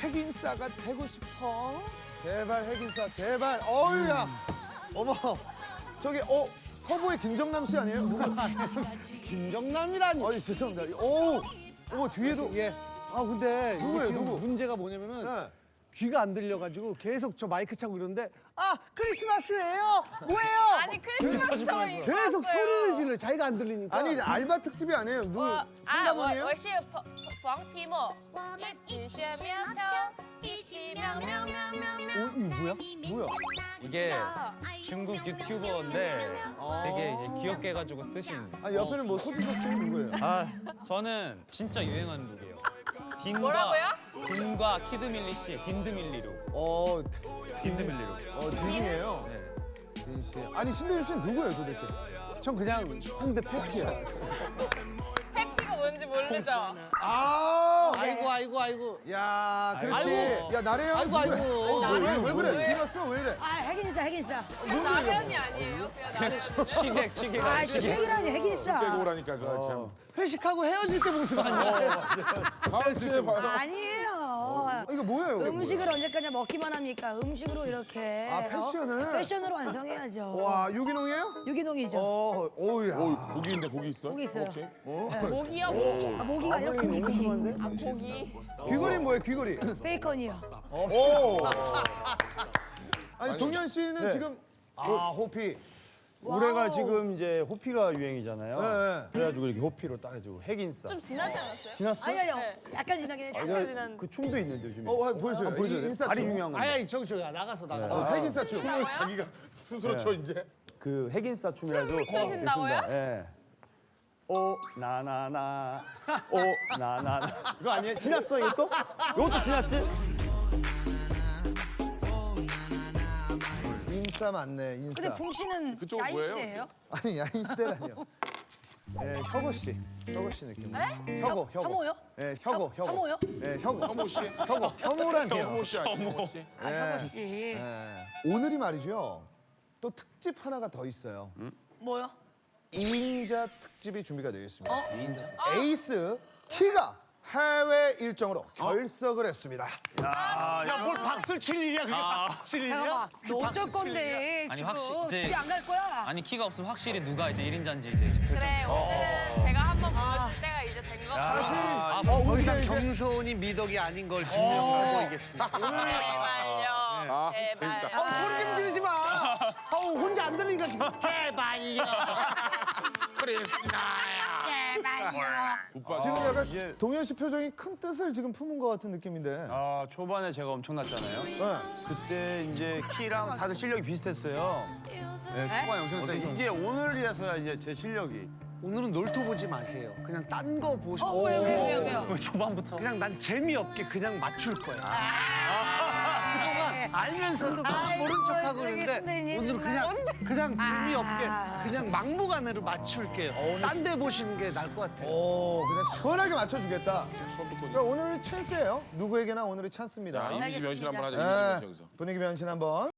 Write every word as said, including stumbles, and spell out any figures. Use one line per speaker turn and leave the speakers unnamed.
핵인싸가 되고 싶어. 제발 핵인싸, 제발. 어우야. 어머, 저기 어 서부의 김정남 씨 아니에요? 누구?
김정남이라니.
아니 죄송합니다. 오, 어머 뒤에도
예. 아 근데 이게
누구예요,
지금
누구?
문제가 뭐냐면은
네.
귀가 안 들려가지고 계속 저 마이크 차고 이러는데 아 크리스마스예요? 뭐예요?
아니 크리스마스처럼 입고
계속
왔어요.
소리를 질러 자기가 안 들리니까.
아니 알바 특집이 아니에요. 누구
我啊，我
상담원이에요?
我是冯冯提莫，一起学苗条，一起喵喵喵喵喵。
어, 이거 뭐야?
뭐야?
이게 중국 유튜버인데 되게 이제 귀엽게 해가지고 뜨신.
아니 옆에는 뭐 소지섭 씨 누구예요?
아 저는 진짜 유행하는 룩이에요. 딘과
뭐라고요?
딘과 키드밀리 씨의 딘드밀리로.
어,
딘드밀리로.
어 딘이에요.
네.
딘 씨. 아니 신동엽 씨는 누구예요 도대체?
전 그냥 홍대 패티야.
팩티가 뭔지 모르죠?
아,
아이고 아이고 아이고.
야, 그렇지.
아이고.
야 나래요.
아이고, 아이고.
어, 왜, 왜, 왜 그래?
왜?
뒤났어? 왜 이래?
아 핵인싸 핵인싸.
그냥 나연이 아니에요? 그냥 나연.
시객 시객.
아 핵이라니 핵인싸.
깨고 오라니까 그거 참.
회식하고 헤어질 때 모습 아니야?
다음 주에 봐요.
아니에요.
아, 이거 뭐예요? 이거
음식을 언제까지 먹기만 합니까? 음식으로 이렇게.
아, 패션을?
어? 패션으로 완성해야죠.
뭐예요? 와, 유기농이에요?
유기농이죠.
어, 어우야.
오, 고기 있는데 고기 있어?
고기 있어요.
혹시?
모기요 모기.
아, 모기가 아니라 고기 고기.
아 고기.
귀걸이 뭐예요? 귀걸이.
베이컨이요.
오.
아니 동현 씨는 지금 아 호피.
올해가
와우.
지금 이제 호피가 유행이잖아요.
네.
그래가지고 이렇게 호피로 따가지고 핵인싸.
좀 지나지 않았어요?
지났어?
아니 아니요.
네.
약간 지나긴 했죠.
약간 지난.
그 춤도 있는데 요즘에.
어, 아, 보여줘요.
한번 보여줘요.
이- 인싸
다리
춤.
유명한 건데.
아야 저기 저기 나가서 나가서.
어, 핵인싸 춤.
춤을 자기가 스스로 춰 이제.
그 핵인싸 춤이라도
춤 추신다고요?
예. 오 나나나 오 나나나 이거 아니에요? 지났어 이것도? 이것도 지났지?
인싸 맞네. 인싸.
근데 붕 씨는
그쪽은
야인
뭐예요?
시대예요?
아니 야인 시대라니요. 예, 혁오 씨. 혁오 씨 느낌. 혁오, 혁오.
혐오요?
예, 혁오, 혁오.
혐오요?
예, 혁오.
혐오 씨?
혁오. 혐오라니요.
혐오 씨 아니에요? 혐오 씨?
아 혐오 씨.
예. 오늘이 말이죠. 또 특집 하나가 더 있어요.
뭐요?
이인자 특집이 준비가 되어 있습니다.
어?
에이스 키가 해외 일정으로 결석을 했습니다.
야뭘 박수 칠 일이야 그게 박수 칠 일이야?
잠깐만. 너 어쩔 건데
아니,
지금
확실- 이제-
집에 안 갈 거야?
아니 키가 없으면 확실히 누가 이제 일 인자인지 이제 결정.
그래 오늘은 제가 한번 보여줄 때가 이제 된 거 같아요.
사실
아,
어,
더
우리가
이상
이제
겸손이 미덕이 아닌 걸 증명하고 있겠습니다.
제발요.
아,
제발요.
재밌다.
어, 소리 좀 지르지 마. 아우 혼자 안 들리니까 제발요.
오빠
지금 약간
이제-
동현 씨 표정이 큰 뜻을 지금 품은 것 같은 느낌인데.
아 초반에 제가 엄청났잖아요.
네.
그때 이제 키랑 다들 실력이 비슷했어요. 네, 초반에 엄청났는데 이제 오늘이라서야 이제 제 실력이.
오늘은 놀토 보지 마세요. 그냥 딴 거 보시고.
어 왜요 왜요 왜요 왜요?
초반부터.
그냥 난 재미없게 그냥 맞출 거야. 그동안 알면서도 막
아이고,
모른 척하고
저기
그러는데
선배님
오늘 그냥 그냥 재미없게
아.
그냥 막무가내로 맞출게요. 딴 데 보시는 게 나을 것 같아요.
오, 그냥 시원하게 맞춰주겠다.
처음부터
그러니까 오늘이 찬스예요. 누구에게나 오늘이 찬스입니다.
자, 이미지 변신 한번 하자.
네.
이미지 변신 여기서.
분위기 변신 한번.